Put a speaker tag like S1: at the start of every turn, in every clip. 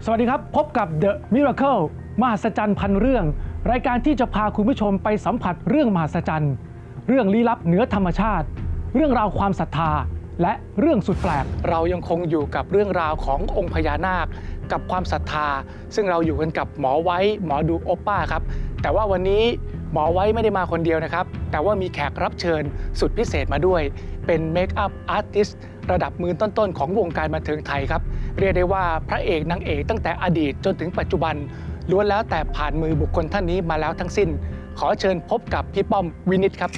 S1: สวัสดีครับพบกับ The Miracle มหัศจรรย์พันเรื่องรายการที่จะพาคุณผู้ชมไปสัมผัสเรื่องมหัศจรรย์เรื่องลี้ลับเหนือธรรมชาติเรื่องราวความศรัทธาและเรื่องสุดแปลกเรายังคงอยู่กับเรื่องราวขององค์พญานาคกับความศรัทธาซึ่งเราอยู่กันกับหมอไว้หมอดูโอป้าครับแต่ว่าวันนี้หมอไว้ไม่ได้มาคนเดียวนะครับแต่ว่ามีแขกรับเชิญสุดพิเศษมาด้วยเป็นเมคอัพอาร์ติสต์ระดับมือต้นๆของวงการบันเทิงไทยครับเรียกได้ว่าพระเอกนางเอกตั้งแต่อดีตจนถึงปัจจุบันล้วนแล้วแต่ผ่านมือบุคคลท่านนี้มาแล้วทั้งสิ้นขอเชิญพบกับพี่ป้อมวินิจครับ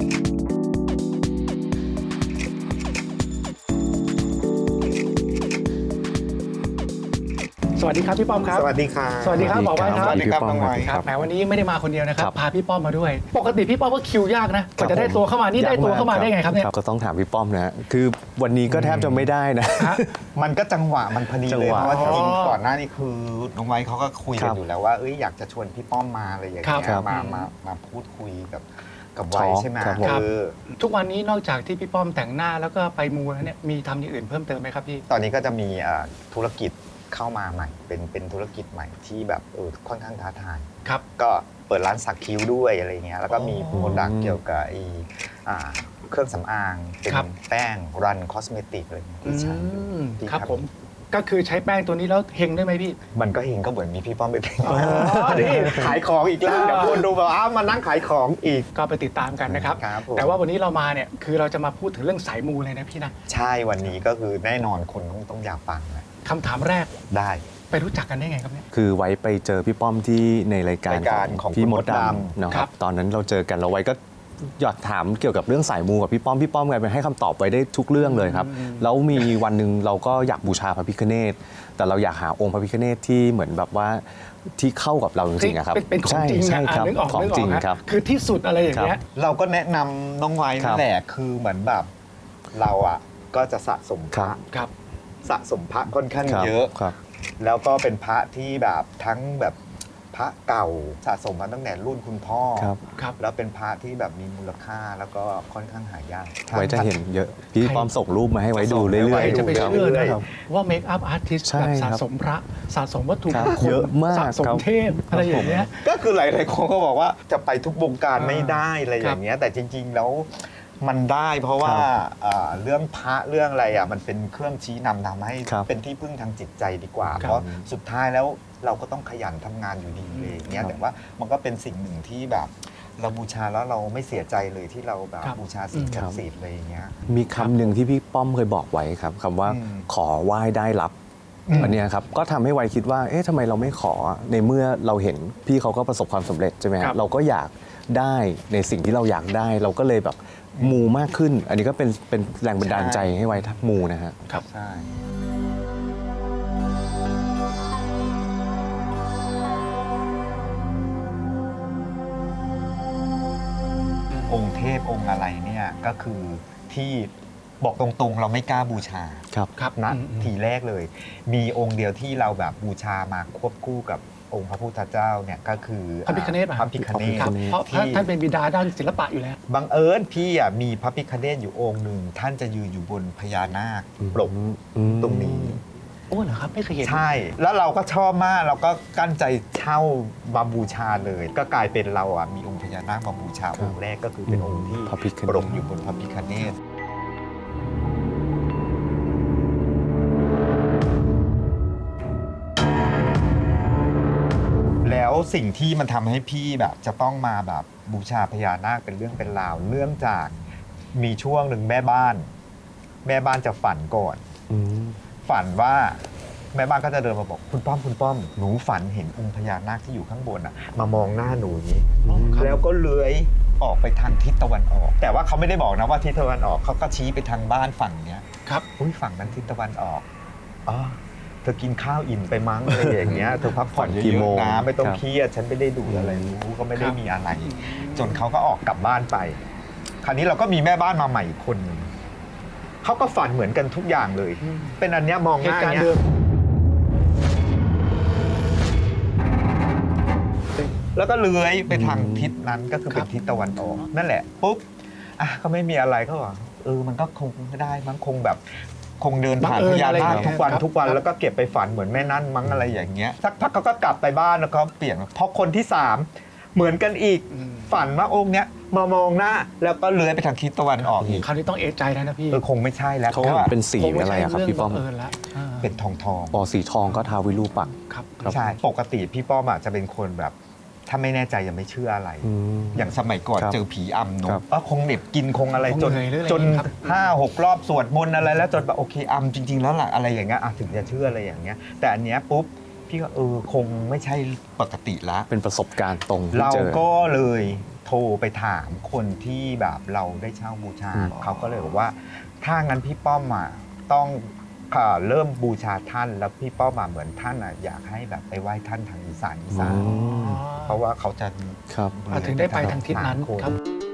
S1: สวัสดีครับพี่ป้อมครับ
S2: สวัสดีครับ
S1: สวัสดีครับหมอไว้ครับ
S2: สวัสดีครับน้องไว้
S1: ครับแหมวันนี้ไม่ได้มาคนเดียวนะครับพาพี่ป้อมมาด้วยปกติพี่ป้อมก็คิวยากนะกว่าจะได้ตัวเข้ามานี่ได้ตัวเข้ามาได้ไงครับเนี่ย
S3: ก็ต้องถามพี่ป้อมนะคือวันนี้ก็แทบจะไม่ได้นะ
S2: มันก็จังหวะมันพอดี
S3: จัง
S2: เลย
S3: หวะ
S2: เพราะว่าจริงๆก่อนหน้านี้คือน้องไว้เขาก็คุยกันอยู่แล้วว่าอยากจะชวนพี่ป้อมมาอะไรอย่างเงี้ยมาพูดคุยกับไว้ใช่ไหม
S1: ทุกวันนี้นอกจากที่พี่ป้อมแต่งหน้าแล้วก็ไปมูแล้วเนี่ยมีทำอย่างอื่นเพิ่มเติมไหมครับพี่
S2: ตอนนี้ก็จะมีธุรกิจเข้ามาใหม่เป็นธุรกิจใหม่ที่แบบค่อนข้างท้าทาย
S1: ครับ
S2: ก็เปิดร้านสักคิ้วด้วยอะไรเงี้ยแล้วก็มีโปรดักต์เกี่ยวกับเครื่องสำอางเป็นแป้งรันคอสเมติกอะไรที่ใช้
S1: ครับผมก็คือใช้แป้งตัวนี้แล้วเฮงได้ไหมพี่
S2: มันก็เฮงก็เหมือนมีพี่ป้อมไปเป็นนี่ขายของอีกแล้วเดี๋ยวคนดูแบบมานั่งขายของอีก
S1: ก็ไปติดตามกันนะครับแต่ว่าวันนี้เรามาเนี่ยคือเราจะมาพูดถึงเรื่องสายมูเลยนะพี่นะ
S2: ใช่วันนี้ก็คือแน่นอนคนต้องอยากฟังนะ
S1: คำถามแรก
S2: ได้
S1: ไปรู้จักกันได้ไงครับเนี่ย
S3: คือไว้ไปเจอพี่ป้อมที่ในรายการของพี่มดดำนะครับตอนนั้นเราเจอกันเราไว้ก็อยากถามเกี่ยวกับเรื่องสายมูกับพี่ป้อมกลายเป็นให้คำตอบไว้ได้ทุกเรื่องเลยครับแล้วมีวันหนึ่งเราก็อยากบูชาพระพิฆเนศแต่เราอยากหาองค์พระพิฆเนศที่เหมือนแบบว่าที่เข้ากับเราจริงๆครับ
S1: เป็นของจริง
S3: ใช่ครับของจริงครับ
S1: คือที่สุดอะไรอย่างเงี้ย
S2: เราก็แนะนำน้องไว้นั่นแหละคือเหมือนแบบเราก็จะสะสมพระสะสมพระค่อนข้างเยอะแล้วก็เป็นพระที่แบบทั้งแบบพระเก่าสะสมมาตั้งแต่รุ่นคุณพ่อแล้วเป็นพระที่แบบมีมูลค่าแล้วก็ค่อนข้างหายาก
S3: ไว้จะเห็นเยอะพี่ป้อมส่งรูปมาให้ไว้ดูเรื่อย
S1: ๆจะไปเชื่อนะครับว่าเมคอัพอาร์ติสต์แบบสะสมพระสะสมวัตถุมงคล
S3: เยอะมาก
S1: สะสมเทพอะไรอย่างเงี้ย
S2: ก็คือหลายๆคนก็บอกว่าจะไปทุกวงการไม่ได้อะไรอย่างเงี้ยแต่จริงๆแล้วมันได้เพราะว่าเรื่องพระเรื่องอะไรมันเป็นเครื่องชี้นำทำให้เป็นที่พึ่งทางจิตใจดีกว่าเพราะสุดท้ายแล้วเราก็ต้องขยันทำงานอยู่ดีเลยเนี้ยแต่ว่ามันก็เป็นสิ่งหนึ่งที่แบบเราบูชาแล้วเราไม่เสียใจเลยที่เราแบบบูชาสิ่งศักดิ์สิทธิ์อะไรอย่างเงี้ย
S3: มีคำหนึ่งที่พี่ป้อมเคยบอกไว้ครับคำว่าขอไหว้ได้รับอันนี้ครับก็ทำให้ไวคิดว่าทำไมเราไม่ขอในเมื่อเราเห็นพี่เขาก็ประสบความสำเร็จใช่ไหมครับเราก็อยากได้ในสิ่งที่เราอยากได้เราก็เลยแบบมูมากขึ้นอันนี้ก็เป็นแรงบันดาลใจให้ไว้ทักมูนะฮะ
S2: ครับใช่องค์เทพองค์อะไรเนี่ยก็คือที่บอกตรงๆเราไม่กล้าบูชา
S3: ครับ
S2: นะทีแรกเลยมีองค์เดียวที่เราแบบบูชามาควบคู่กับองค์พระพุทธเจ้าเนี่ยก็คือ
S1: พระพิฆเนศ
S2: พระพิฆเนศ
S1: เพราะท่านเป็นบิดาด้านศิลปะอยู่แล้ว
S2: บังเอิญพี่มีพระพิฆเนศอยู่องค์หนึ่งท่านจะยืนอยู่บนพญานาคปกตรงนี้
S1: โอ้เหรอครับไม่เคยเห็น
S2: ใช่แล้วเราก็ชอบมากเราก็กั้นใจเช่ามาบูชาเลยก็กลายเป็นเรามีองค์พญานาคมาบูชาองค์แรกก็คือเป็นองค์ที่ปกอยู่บนพระพิฆเนศแล้วสิ่งที่มันทำให้พี่แบบจะต้องมาแบบบูชาพญานาคเป็นเรื่องเป็นราวเนื่องจากมีช่วงหนึ่งแม่บ้านจะฝันก่อนฝันว่าแม่บ้านก็จะเดินมาบอกคุณป้อมหนูฝันเห็นองค์พญานาคที่อยู่ข้างบนมามองหน้าหนูอย่างนี้แล้วก็เลื้อยออกไปทางทิศตะวันออกแต่ว่าเขาไม่ได้บอกนะว่าทิศตะวันออกเขาก็ชี้ไปทางบ้านฝั่งเนี้ย
S1: ครับ
S2: ฝั่งนั้นทิศตะวันออกเธอกินข้าวอิ่มไปมั้งอะไรอย่างเงี้ยเธอพักผ่อนเยอะๆนะไม่ต้องเครียดฉันไม่ได้ดูอะไรรู้ก็ไม่ได้มีอะไรจนเขาก็ออกกลับบ้านไปคราวนี้เราก็มีแม่บ้านมาใหม่อีกคนนึงเขาก็ฝันเหมือนกันทุกอย่างเลยเป็นอันเนี้ยมองหน้าเนี้ยแล้วก็เลื้อยไปทางทิศนั้นก็คือเป็นทิศตะวันออกนั่นแหละปุ๊บก็ไม่มีอะไรก็บอกมันก็คงไม่ได้มั้งคงแบบคงเดินผ่าน
S1: บังเอิ
S2: พ
S1: ญ
S2: ญา
S1: อะไร
S2: นาค
S1: อย่างเงี้ย
S2: ทุกวัน
S1: ครับ
S2: ทุกวัน
S1: ครับ
S2: แล้วก็เก็บไปฝันเหมือนแม่นั่นมั้งอะไรอย่างเงี้ยสักพักเขาก็กลับไปบ้านแล้วก็เปลี่ยนเพราะคนที่สามเหมือนกันอีกฝันว่าองค์เนี้ยมามองหน้าแล้วก็เลื้อยไปทางทิศตะวันออกอีก
S1: คราวนี้ต้องเอะใจแล้วนะพี่
S2: คงไม่ใช่แล้ว
S3: เขา
S2: เพราะว่า
S3: เป็นสี
S1: คงไม่
S3: อะไร
S1: ใช่
S3: อะครับ
S1: เรื่อง
S3: พี่ป้อม
S1: บังเอิญแล้ว
S2: เป็นทอง
S3: ปอสีทองก็ท้าววิรูปักษ์
S1: ครับ
S3: ครับ
S2: ใช่ปกติพี่ป้อมจะเป็นคนแบบถ้าไม่แน่ใจยังไม่เชื่ออะไร อย่างสมัยก่อน
S3: ครับ
S2: เจอผีอำเน
S3: ครั
S2: อะ
S3: บ
S2: ก็คงเหน็บกินคงอะไร
S1: คง
S2: จน
S1: เหนื่อยหรืออะไร
S2: จน
S1: ครับ
S2: 5-6 รอบสวดมนต์อะไรแล้วจนแบบโอเคอำจริง ๆ แล้วล่ะอะไรอย่างเงี้ยถึงจะเชื่ออะไรอย่างเงี้ย แต่อันเนี้ยปุ๊บพี่ก็คงไม่ใช่ปกติละ
S3: เป็นประสบการณ์ตรงที่
S2: เรา
S3: เจอ
S2: ก็เลยโทรไปถามคนที่แบบเราได้เช่าบูชา เขาก็เลยบอกว่าถ้างั้นพี่ป้อมต้องเริ่มบูชาท่านแล้วพี่ป้อมเหมือนท่านอยากให้แบบไปไหว้ท่านทางอีสาน เพราะว่าเขาจะ
S3: ครับ
S1: ถึงได้ไปทางทิศนั้นครับ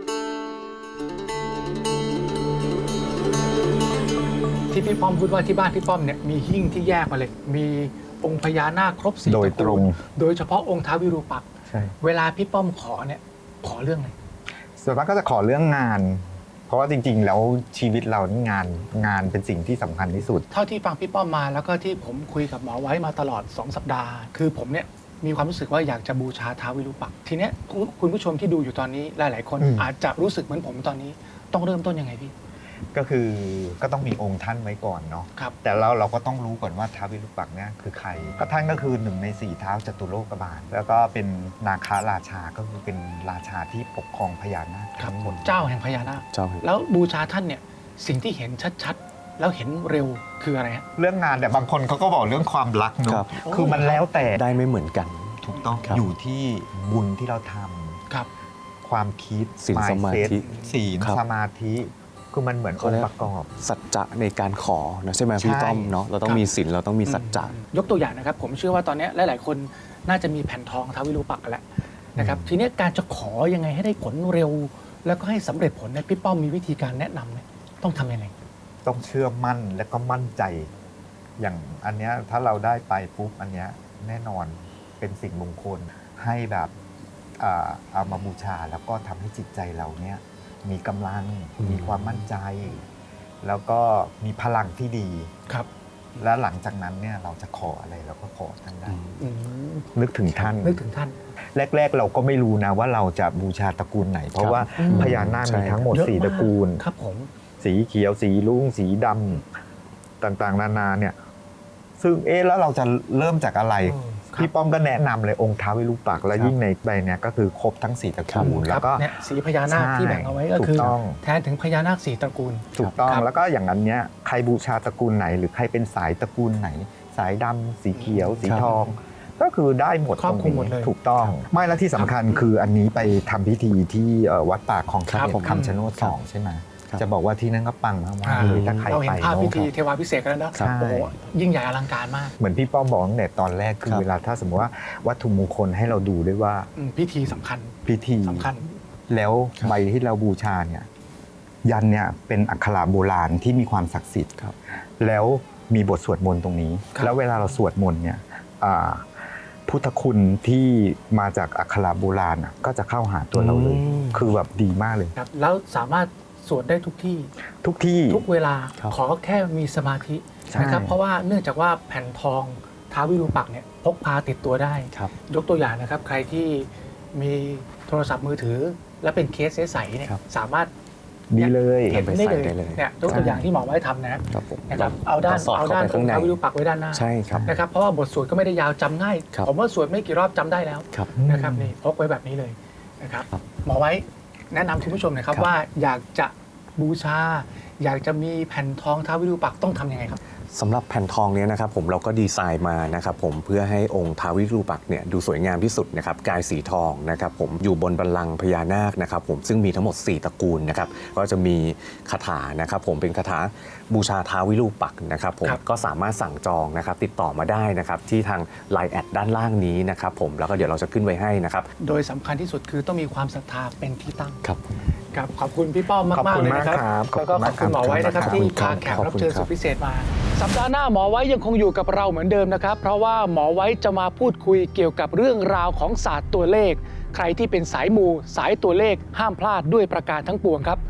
S1: ที่พี่ป้อมพูดว่าที่บ้านพี่ป้อมเนี่ยมีหิ้งที่แยกมาเลย มีองค์พญานาคครบ4
S2: โดย
S1: ตระ
S2: ตร
S1: กู
S2: ง
S1: ลโดยเฉพาะองค์ท้าววิรูปักษ์
S2: ใช่
S1: เวลาพี่ป้อมขอเนี่ยขอเรื่องอะไร
S2: ส่วนมากก็จะขอเรื่องงาน เพราะว่าจริงๆ แล้วชีวิตเรานี่งานเป็นสิ่งที่สำคัญที่สุด
S1: เท่าที่ฟังพี่ป้อมมาแล้วก็ที่ผมคุยกับหมอไว้มาตลอด2 สัปดาห์ คือผมเนี่ยมีความรู้สึกว่าอยากจะบูชาท้าววิรูปักษ์ทีเนี้ยคุณผู้ชมที่ดูอยู่ตอนนี้หลาย ๆ คน อาจจะรู้สึกเหมือนผมตอนนี้ต้องเริ่มต้นยังไงพี่
S2: ก็คือก็ต้องมีองค์ท่านไว้ก่อนเนาะ
S1: ครับ
S2: แต่เราก็ต้องรู้ก่อนว่าท้าววิรูปักษ์เนี่ยคือใครก็ท่านก็คือ1 ใน 4เท้าจตุโลกบาลแล้วก็เป็นนาคราชาก็คือเป็นราชาที่ปกครองพญานาคทั้งหมด
S1: เจ้าแห่งพญานาค
S3: เจ้าแห่ง
S1: แล้วบูชาท่านเนี่ยสิ่งที่เห็นชัดๆ แล้วเห็นเร็วคืออะไรฮะ
S2: เรื่องงานแต่บางคนเขาก็บอกเรื่องความรักเนาะ
S3: ครับ
S2: คือมันแล้วแต่
S3: ได้ไม่เหมือนกัน
S2: ถูกต้อง
S3: ครับ
S2: อยู่ที่บุญที่เราทำ
S1: ครับ
S2: ความคิด
S3: ศีลสมาธิ
S2: mindset ศีล
S3: ครับ
S2: สมาธิคือมันเหมือน
S3: เขา
S2: อง
S3: เรีย
S2: ค์
S3: ก
S2: ประกอบ
S3: สัจจะในการขอนะใช่ไหมพี่
S2: ใช่
S3: ต้อมเนาะเราต้อ
S1: ค
S3: ง
S1: รับ
S3: มีศีลเราต้องมีสัจจะ
S1: ยกตัวอย่างนะครับ ผมเชื่อว่าตอนนี้หลายๆคนน่าจะมีแผ่นทองท้าววิรูปักษ์กันแล้วนะครับทีเนี้ยการจะขอยังไงให้ได้ผลเร็ว แล้วก็ให้สำเร็จผลเนี่ยพี่ป้อมมีวิธีการแนะนำไหมต้องทำยังไง
S2: ต้องเชื่อมั่นและก็มั่นใจ อย่างอันเนี้ยถ้าเราได้ไปปุ๊บอันเนี้ยแน่นอนเป็นสิ่งมงคลให้แบบเอามาบูชาแล้วก็ทำให้จิตใจเราเนี่ยมีกำลังมีความมั่นใจ แล้วก็มีพลังที่ดี
S1: ครับ
S2: และหลังจากนั้นเนี่ยเราจะขออะไรเราก็ขอท่านได้
S1: อืม
S2: นึกถึงท่าน
S1: นึกถึงท่าน
S2: แรก ๆ เราก็ไม่รู้นะว่าเราจะบูชาตระกูลไหน เพราะว่า
S1: อืม
S2: พญานาค
S3: ใช่
S2: มีทั้งหมด
S1: เยอะ
S2: 4 ตระกูล
S1: ครับผม
S2: สีเขียวสีรุ้งสีดำต่างๆ นานาเนี่ยซึ่งแล้วเราจะเริ่มจากอะไร พี่ป้อมก็แนะนำเลยองค์ท้าววิรูปักษ์และยิ่งในใบเนี้ยก็คือครบทั้ง4 ตระกูล
S1: ค
S2: แล้
S1: รับ
S2: วก็
S1: เนี่ยสีพญานาค
S2: ใช่
S1: ที่แบ่งเอาไว้ก็คือ
S2: ถูกต้อง
S1: แทนถึงพญานาค4 ตระกูล
S2: ถูกต้อง
S1: ครับ
S2: แล้วก็อย่างนั้นเนี้ยใครบูชาตระกูลไหน หรือใครเป็นสายตระกูลไหน สายดำสีเขียว สี
S3: ครับ
S2: ทอง ก็คือได้หมด
S1: ครอบคลุมหมดเลย
S2: ถูกต้อง ไม่แล้วที่สำคัญคืออันนี้ไปทำพิธีที่วัดป่าคลอง
S1: ครั
S2: เข
S1: บ
S2: ต
S1: ผม
S2: คำชะโนด2ใช่ไหม
S3: ครับ
S2: จะบอกว่าที่นั่นก็ปังมากๆเลยถ้าใคร
S1: เรา
S2: ไป
S1: เห็นภาพพิ
S2: เนาะ
S1: ธีเทวาพิเศษกันแล้วนะครับ โอ้โหยิ่งใหญ่อลังการมาก
S2: เหมือนพี่ป้อมบอกตั้งแต่ตอนแรกคือ
S3: ครับ
S2: เวลาถ้าสมมติว่าวัตถุมงคลให้เราดูด้วยว่า
S1: พิธีสำคัญ
S2: พิธี
S1: สำคัญ
S2: แล้ว
S3: ครับ
S2: ใบที่เราบูชาเนี่ยยันเนี่ยเป็นอักขระโบราณที่มีความศักดิ์สิทธิ์
S3: ครับ
S2: แล้วมีบทสวดมนต์ตรงนี้
S1: ครับ
S2: แล้วเวลาเราสวดมนต์เนี่ยพุทธคุณที่มาจากอักขระโบราณก็จะเข้าหาตัวเราเลย คือแบบดีมากเลย
S1: ครับแล้วสามารถสวดได้ทุกที่
S2: ทุกที่
S1: ทุกเวลา
S3: ครับ
S1: ขอแค่มีสมาธิ
S2: ใช่
S1: นะครับเพราะว่าเนื่องจากว่าแผ่นทองท้าววิรูปักษ์เนี่ยพกพาติดตัวได้
S3: ครับ
S1: ยกตัวอย่างนะครับ ใครที่มีโทรศัพท์มือถือ และเป็นเคสใสๆเนี่ย
S3: ครับ
S1: สามารถ
S2: ดีเลย
S1: เห็นได้
S3: ใส่ได้
S1: เล
S3: เลย ย
S1: เนี่ยยกตัวอย่างที่หมอไว้ทำนะครับ
S3: ผม
S1: นะครับเอาด้าน
S3: สอด
S1: เอา
S3: เข้า
S1: ด้าน
S3: ไป
S1: อ
S3: ข้าง
S1: งค์
S3: ใน
S1: ท้าววิรูปักษ์ไว้ด้านหน้า
S3: ใช่ครับ
S1: นะครับเพราะว่าบทสวดก็ไม่ได้ยาวจำง่าย
S3: ครับ
S1: ผมว่าสวดไม่กี่รอบจำได้แล้ว
S3: ครับ
S1: นะครับนี่พกไว้แบบนี้เลยนะครับ
S3: ครับ
S1: หมอไว้แนะนำคุณผู้ชมหนะครับ
S3: ครับ
S1: ว่าอยากจะบูชา อยากจะมีแผ่นทองท้าววิรูปักษ์ต้องทำยังไงครับ
S3: สำหรับแผ่นทองเนี้ยนะครับผมเราก็ดีไซน์มานะครับผมเพื่อให้องค์ท้าววิรูปักษ์เนี่ยดูสวยงามที่สุดนะครับกายสีทองนะครับผมอยู่บนบัลลังก์พญานาคนะครับผมซึ่งมีทั้งหมด 4 ตระกูลนะครับก็จะมีคาถานะครับผมเป็นคาถาบูชาท้าววิรูปักษ์นะครับผม
S1: ครับ
S3: ก็สามารถสั่งจองนะครับติดต่อมาได้นะครับที่ทาง Line แอดด้านล่างนี้นะครับผมแล้วก็เดี๋ยวเราจะขึ้นไว้ให้นะครับ
S1: โดยสำคัญที่สุดคือต้องมีความศรัทธาเป็นที่ตั้ง
S3: ครับ
S1: ครับขอบคุณพี่ป้อม
S2: ขอบ
S1: มาก
S2: คุ
S1: ๆ
S2: ณ
S1: เลยนะครับ
S2: มากครับ
S1: แล้วก็ขอบคุณหมอไว้นะครับ
S2: ขอบคุณ
S1: ที่
S3: ครั
S1: พา
S3: บ
S1: แขก
S3: ขอบ
S1: รับ
S3: คุณ
S1: เชิญ
S3: ครับ
S1: สุดพิเศษมา สัปดาห์หน้าหมอไว้ยังคงอยู่กับเราเหมือนเดิมนะครับ เพราะว่าหมอไว้จะมาพูดคุยเกี่ยวกับเรื่องราวของศาสตร์ตัวเลข ใครที่เป็นสายมูสายตัวเลขห้ามพลาดด้วยประการทั้งปวงครับ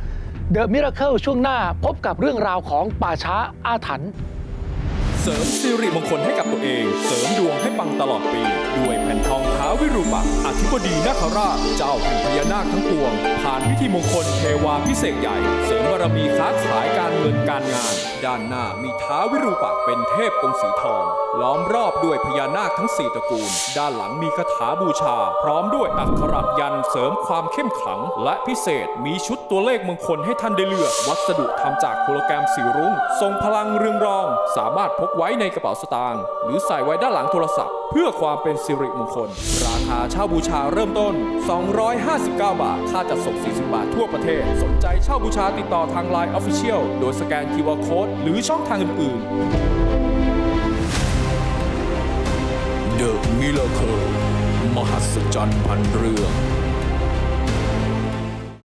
S1: The Miracle ช่วงหน้าพบกับเรื่องราวของป่าช้าอาถรรพ์
S4: เสริมสิริมงคลให้กับตัวเอง เสริมดวงให้ปังตลอดปี ด้วยแผ่นทองท้าววิรูปักษ์อธิบดีนาคราช เจ้าแห่งพญานาคทั้งปวง ผ่านพิธีมงคลเทวาพิเศษใหญ่ เสริมบารมีค้าขายการเงินการงาน ด้านหน้ามีท้าววิรูปักษ์เป็นเทพองค์สีทอง ล้อมรอบด้วยพญานาคทั้ง 4 ตระกูล ด้านหลังมีคาถาบูชา พร้อมด้วยอักขระยันต์เสริมความเข้มขลัง และพิเศษมีชุดตัวเลขมงคลให้ท่านได้เลือก วัสดุทำจากโฮโลแกรมสีรุ้งทรงพลังเรืองรอง สามารถพกไว้ในกระเป๋าสตางค์หรือใส่ไว้ด้านหลังโทรศัพท์ เพื่อความเป็นสิริมงคล ราคาเช่าบูชาเริ่มต้น 259 บาท ค่าจัดส่ง 40 บาททั่วประเทศ สนใจเช่าบูชาติดต่อทาง Line Official โดยสแกน QR Code หรือช่องทางอื่นๆ The Miracle มหัศจรรย์พันเรื่อง